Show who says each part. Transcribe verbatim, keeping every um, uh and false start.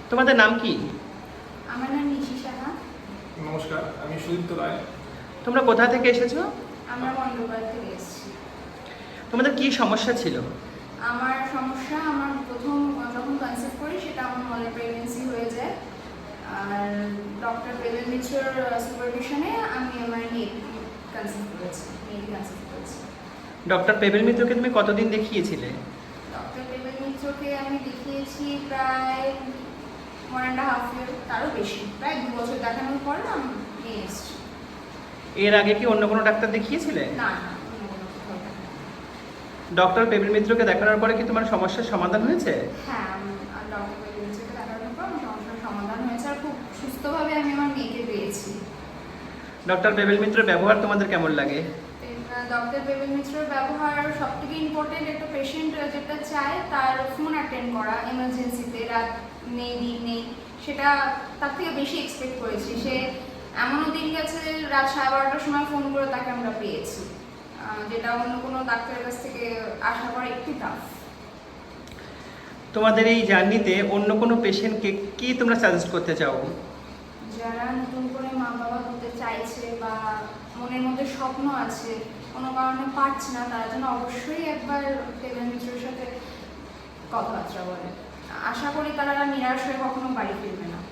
Speaker 1: তোমাদের নাম কি?
Speaker 2: আমার নাম নিশি সাহা।
Speaker 3: নমস্কার, আমি সুদীপ্ত রায়।
Speaker 1: তোমরা কোথা থেকে এসেছো?
Speaker 2: আমরা মন্ডলবার থেকে এসেছি।
Speaker 1: তোমাদের কি সমস্যা ছিল?
Speaker 2: আমার সমস্যা, আমার প্রথম যখন কনসেপ্ট করি সেটা আমার মলে প্রেগনেন্সি হয়ে যায়। আর ডক্টর পেবেল মিত্রর সুপারভিশনে আমি আমার মেয়ে কনসেপ্ট করেছি মেয়েকে কনসেপ্ট করেছি।
Speaker 1: ডক্টর পেবেল মিত্রকে তুমি কতদিন দেখিয়েছিলে?
Speaker 2: ডক্টর পেবেল মিত্রকে আমি দেখিয়েছি প্রায় ওয়ান অ্যান্ড হাফ ইয়ার, তারও বেশি, প্রায় দু বছর দেখানোর পর আমি নিয়ে এসেছি।
Speaker 1: এর আগে কি অন্য কোনো ডাক্তার দেখিয়েছিলে?
Speaker 2: না না অন্য কোনো কোথাও দেখানো।
Speaker 1: ডক্টর পেবেল মিত্রকে দেখানোর পরে কি তোমার সমস্যার সমাধান হয়েছে?
Speaker 2: হ্যাঁ, ডক্টর পেবেল মিত্রকে দেখানোর পর আমার সমস্যার সমাধান হয়েছে আর খুব সুস্থভাবে আমি আমার মেয়েকে পেয়েছি।
Speaker 1: ডক্টর পেবেল মিত্রের ব্যবহার তোমাদের কেমন লাগে?
Speaker 2: ডক্টর পেবেল মিত্রের ব্যবহার সবথেকে ইম্পর্টেন্ট, একটা পেশেন্ট যেটা চায় তার ফোন অ্যাটেন্ড করা এমার্জেন্সিতে, রাত নেই দিন নেই, সেটা তার থেকে বেশি এক্সপেক্ট করেছি। সে এমনও দিন গেছে রাত সাড়ে বারোটার সময় ফোন করে তাকে আমরা পেয়েছি, যেটা অন্য কোনো ডাক্তারের কাছ থেকে আশা করা একটু টাফ।
Speaker 1: তোমাদের এই জার্নিতে অন্য কোনো পেশেন্টকে কি তোমরা সাজেস্ট করতে চাও?
Speaker 2: যারা নতুন করে মা বাবা হতে চাইছে বা মনের মধ্যে স্বপ্ন আছে, কোনো কারণে পারছে না, তারা যেন অবশ্যই একবার পেবেল মিত্রের সাথে কথাবার্তা বলে। আশা করি তারা নিরাশ হয়ে কখনো বাড়ি ফিরবে না।